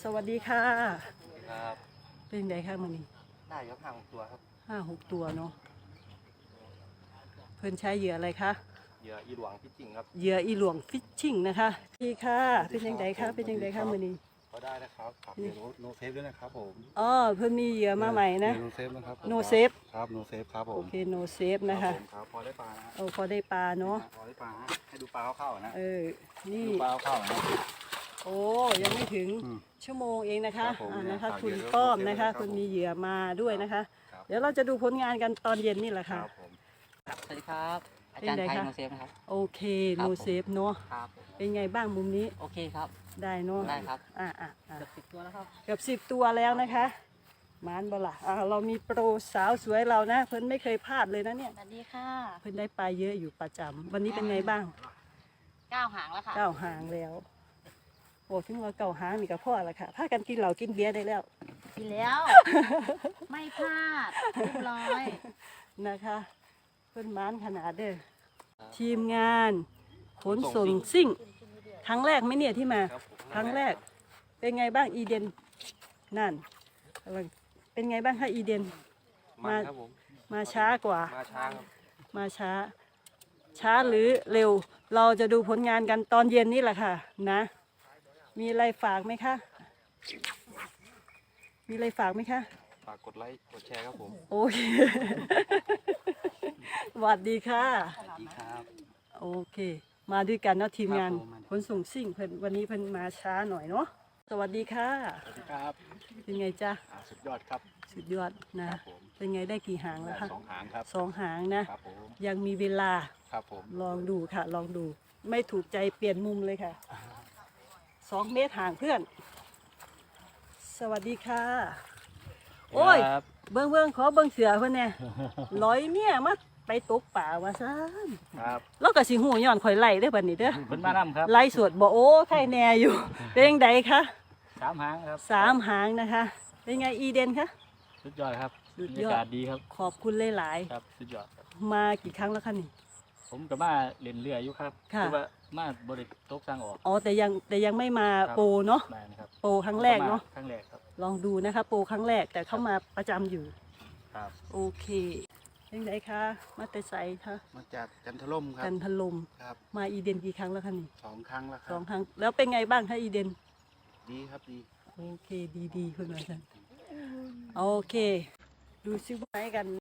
สวัสดีค่ะครับเป็นไงคะมื้อนี้ได้ครับ5-6ตัวครับ 5-6 ตัวเนาะเพิ่นใช้เหยื่ออะไรคะเหยื่ออีหลวงพิจิงครับเหยื่ออีหลวงฟิชชิ่งนะคะพี่ค่ะเป็นยังไงคะเป็นยังไงคะมื้อนี้ก็ได้นะครับฝากเหยื่อโนเซฟด้วยนะครับผมอ๋อเพิ่นมีเหยื่อมาใหม่นะโนเซฟนะครับโนเซฟครับโนเซฟครับผโอมเคโนเซฟนะคะครับพอได้ปลานะโอ้พอได้ปลาเนาะพอได้ปลาให้ดูปลาเข้าๆนะนี่ดูปลาเข้าๆนะโอ้ยังไม่ถึงชั่วโมงเองนะคะนะคะคุณฝากเหยื่อป้อมนะคะครับผมคุณมีเหยื่อมาด้วยนะคะครับเดี๋ยวเราจะดูผลงานกันตอนเย็นนี่แหละคค่ะรับผมครับสวัสดีครับอาจารย์ไทยโนเซฟนะครับโอเคครัโนบผมเซฟเนาะครับผมเป็นไงบ้างมุมนี้โอเคครับได้เนาะได้ครับอ่ะเกือบ10 ตัวแล้วครับเกือบ10 ตัวแล้วนะคะมานบล่ะเรามีโปรสาวสวยเรานะ เพิ่นไม่เคยพลาดเลยนะเนี่ยสวัสดีค่ะเพิ่นได้ปลาเยอะอยู่ประจำวันนี้เป็นไงบ้าง 9 หางแล้วค่ะเก้าหางแล้วโอ้ถึงว่าเก้าหางนี่ก็พอละค่ะพากันกินเหล้ากินเบียร์ได้แล้วกินแล้ว ไม่พลาดเรียบร้อยนะคะเพิ่นมานขนาดเด้อทีมงานขนส่งซิ่งครั้งแรกไหมเนี่ยที่มาครับผมครั้งแรกเป็นไงบ้างอีเดนนั่นกำลังเป็นไงบ้างคะอีเดนมันครับผมมาช้ากว่ามาช้าครับมาช้า ช้าหรือเร็ว เราจะดูผลงานกันตอนเย็นนี่แหละค่ะนะมีอะไรฝากไหมคะมีอะไรฝากไหมคะฝากกดไลค์กดแชร์ครับผมโอเค สวัสดีค่ะสวัสดีครับโอเค มาด้วยกันเนาะทีมงานครับผมขนส่งซิ่งเพิ่นวันนี้เพิ่นมาช้าหน่อยเนาะสวัสดีค่ะสวัสดีครับเป็นไงจ๊ะสุดยอดครับสุดยอดนะครับผมเป็นไงได้กี่หางแล้วคะ 2 หางครับ 2 หางนะครับผมยังมีเวลาครับผมลองดูค่ะ ลองดู ไม่ถูกใจเปลี่ยนมุมเลยค่ะ2 เมตรห่างเพื่อน สวัสดีค่ะ โอ้ย เบิ้งขอเบิ้งเสือเพื่อนเนี่ยร้อยเมียมาไปตกป่าว่าซ่านครับแล้วก็สิหูย้อนข่อยไล่ได้อบัดนี้เด้อเพิ่นมานำครับไล่สวดบ่โอ้ใครแน่อยู่ เป็นยังไงคะ 3 หางครับ 3 หางนะคะ เป็นไงอีเดนคะสุดยอดครับสุดบรรยอดยากาศดีครับขอบคุณหลายครับสุดยอดครับๆมากี่ครั้งแล้วคะนี่ผมกับมาเล่นเรืออยู่ครับค่ะแต่ว่ามาบริตกสร้างออกอ๋อแต่ยังไม่มาครับโปรเนาะมานะครับโปรครั้งแรกเนาะครั้งแรกครับลองดูนะคะ โปรครั้งแรกแต่เข้ามาประจำอยู่ครับโอเคยังไงคะมาแต่ใสคะมาจากจันทร่มครักับ นพลมครับมาอีเดนกี่ครั้งแล้วคะนี่ 2 ครั้งแล้วคสรัอบ งครั้งแล้วเป็นไงบ้างคะอีเดนดีครับดีโอเคดีคุณอาจารย์โอเค ดูซิว่าไหนกัน